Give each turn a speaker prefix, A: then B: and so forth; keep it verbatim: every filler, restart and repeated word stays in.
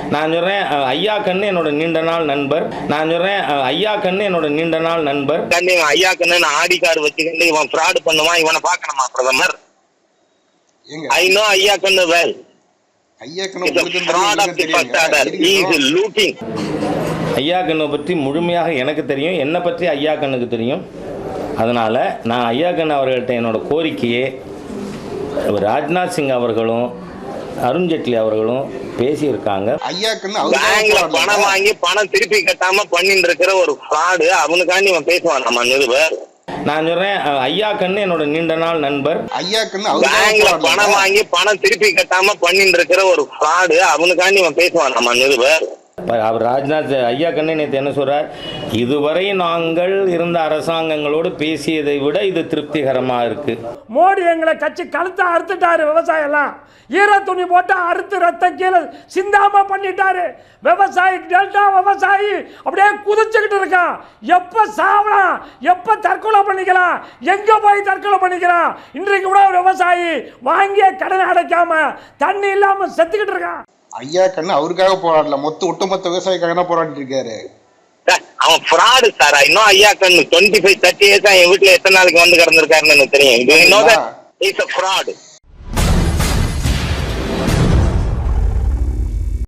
A: நான் சொல்றேன் ஐயா கண்ணு என்னோட நீண்ட நாள் நண்பர். நான் சொல்றேன் ஐயா கண்ணு என்னோட நீண்ட நாள் நண்பர்.
B: ஐயா கண்ணு ஆடி கார்டு வச்சுக்கிட்டு இவன் ஃப்ராட் பண்ணுவான், இவனை பார்க்கணுமா பிரதமர்? ஐ நோ ஐயா கண்ணு வெல். ஐயா கண்ணை
A: பற்றி முழுமையாக எனக்கு தெரியும், என்னை பற்றி ஐயா கண்ணுக்கு தெரியும். அதனால நான் ஐயா கண்ணு அவர்கள்ட்ட என்னோட கோரிக்கையே, ராஜ்நாத் சிங் அவர்களும் அருண்ஜேட்லி அவர்களும் பேசியிருக்காங்க.
B: பேங்க்ல பணம் வாங்கி பணம் திருப்பி கட்டாம பண்ணிட்டு இருக்கிற ஒரு ஃப்ராடு, அவனுக்காண்டி இவன் பேசுவான் நம்ம நிருபர்.
A: நான் சொல்றேன் ஐயா கண்ணு என்னோட நீண்ட நாள் நண்பர்.
B: ஐயா கண்ணு பேங்க்ல பணம் வாங்கி பணம் திருப்பி கட்டாம பண்ணிட்டு இருக்கிற ஒரு ஃப்ராடு, அவனுக்காண்டி இவன் பேசுவான் நம்ம நிருபர்.
A: அவர் ராஜ்நாத் ஐயா கண்ணு நேற்று என்ன சொல்றார், இதுவரை நாங்கள் இருந்த அரசாங்கங்களோடு பேசியதை விட இது திருப்திகரமா இருக்கு.
C: மோடி எங்களை கட்சி கழுத்தை அறுத்துட்டாரு, விவசாயம் எல்லாம் ஈர துணி போட்டு அறுத்து ரத்த கீழே சிந்தாம பண்ணிட்டாரு. விவசாயி டெல்டா விவசாயி அப்படியே குதிச்சுக்கிட்டு இருக்கான். எப்ப சாவலாம், எப்ப தற்கொலை பண்ணிக்கலாம், எங்க போய் தற்கொலை பண்ணிக்கலாம். இன்றைக்கு கூட விவசாயி வாங்கிய கடனை அடைக்காம தண்ணி இல்லாம செத்துக்கிட்டு இருக்கான்.
D: ஐயா கண்ணு அவருக்காக போராடல, மொத்த ஒட்டுமொத்த விவசாயிக்காக போராடிட்டு இருக்காரு.
B: அவன் ஃப்ராடு சார். இன்னும் ஐயா கண்ணு டுவெண்ட்டி ஃபைவ் தேர்ட்டி இயர்ஸ் என் வீட்டுல எத்தனை நாளைக்கு வந்து கிடந்திருக்காருன்னு எனக்கு தெரியும். இது இன்னொரு ஃப்ராடு.